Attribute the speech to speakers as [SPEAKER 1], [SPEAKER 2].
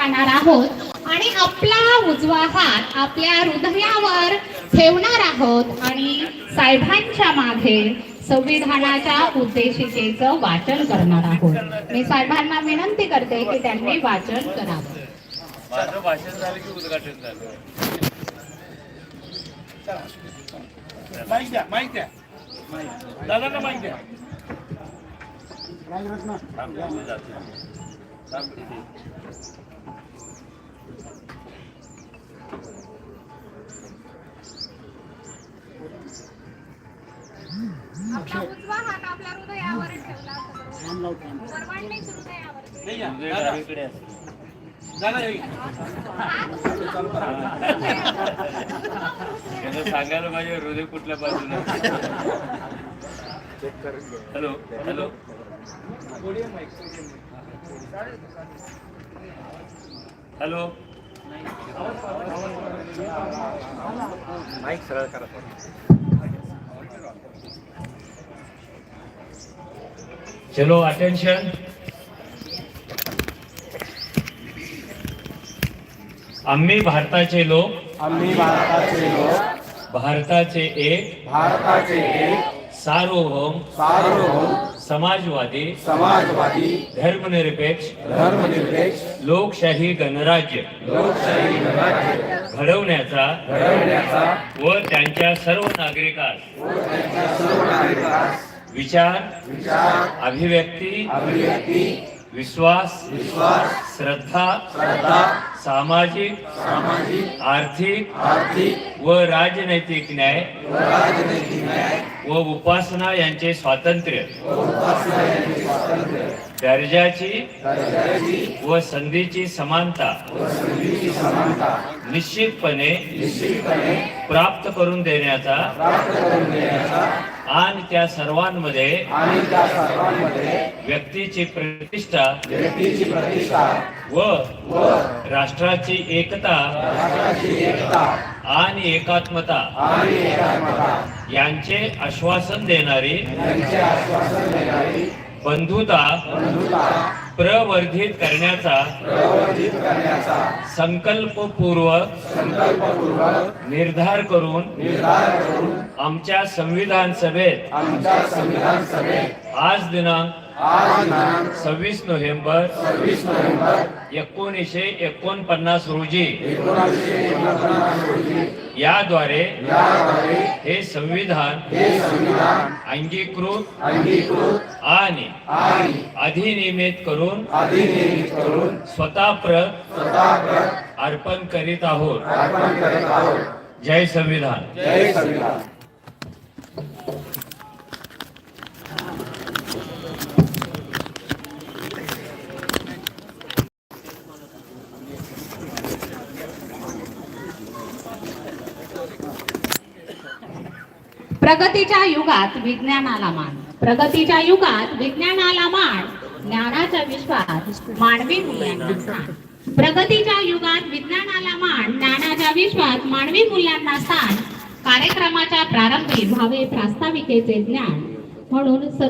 [SPEAKER 1] जाणार आहोत आणि आपला उजवा हात आपल्या हृदयावर ठेवणार आहोत आणि साहेबांच्या मागे संविधानाच्या उद्देशिकेचं वाचन करणार आहोत। मी साहेबांना विनंती करते की त्यांनी वाचन करावं।
[SPEAKER 2] माझं भाषण झालं की उद्घाटन झालं? माईक द्या, माईक द्या, दादांना माईक द्या।
[SPEAKER 1] आपला उजवा हात आपल्या हृदयावर ठेवला सर्वांनीच हृदयावर
[SPEAKER 2] सांगायला माझे हृदय कुठल्या बाजूला। हॅलो हॅलो हॅलो माईक सरळ करा। चलो अटेंशन। आम्ही भारताचे लोक, भारताचे एक सार्वभौम समाजवादी धर्मनिरपेक्ष लोकशाही गणराज्य घडवण्याचा व त्यांच्या सर्व नागरिकांस विचार अभिव्यक्ती विश्वास श्रद्धा सामाजिक आर्थिक व राजनैतिक न्याय व उपासना यांचे स्वातंत्र्य दर्जाची व संधीची समानता निश्चितपणे प्राप्त करून देण्याचा आणि त्या सर्वांमध्ये व्यक्तीची प्रतिष्ठा व राष्ट्राची एकता आणि एकात्मता यांचे आश्वासन देणारी बंधुता प्रवर्धित करण्याचा संकल्पपूर्वक निर्धार करून आमच्या संविधान सभेत आज दिनांक 26 नोव्हेंबर 1949 रोजी याद्वारे हे संविधान अंगीकृत आणि अधिनियमित करून स्वतः अर्पण करीत आहोत। जय संविधान।
[SPEAKER 1] प्रगतीच्या युगात विज्ञानाला मान, प्रगतीच्या युगात विज्ञानाला मान, ज्ञानाचा विश्वास मानवी मूल्यांना स्थान। प्रगतीच्या युगात विज्ञानाला मान, ज्ञानाचा विश्वास मानवी मूल्यांना स्थान। कार्यक्रमाच्या प्रारंभी व्हावे प्रास्ताविकेचे ज्ञान म्हणून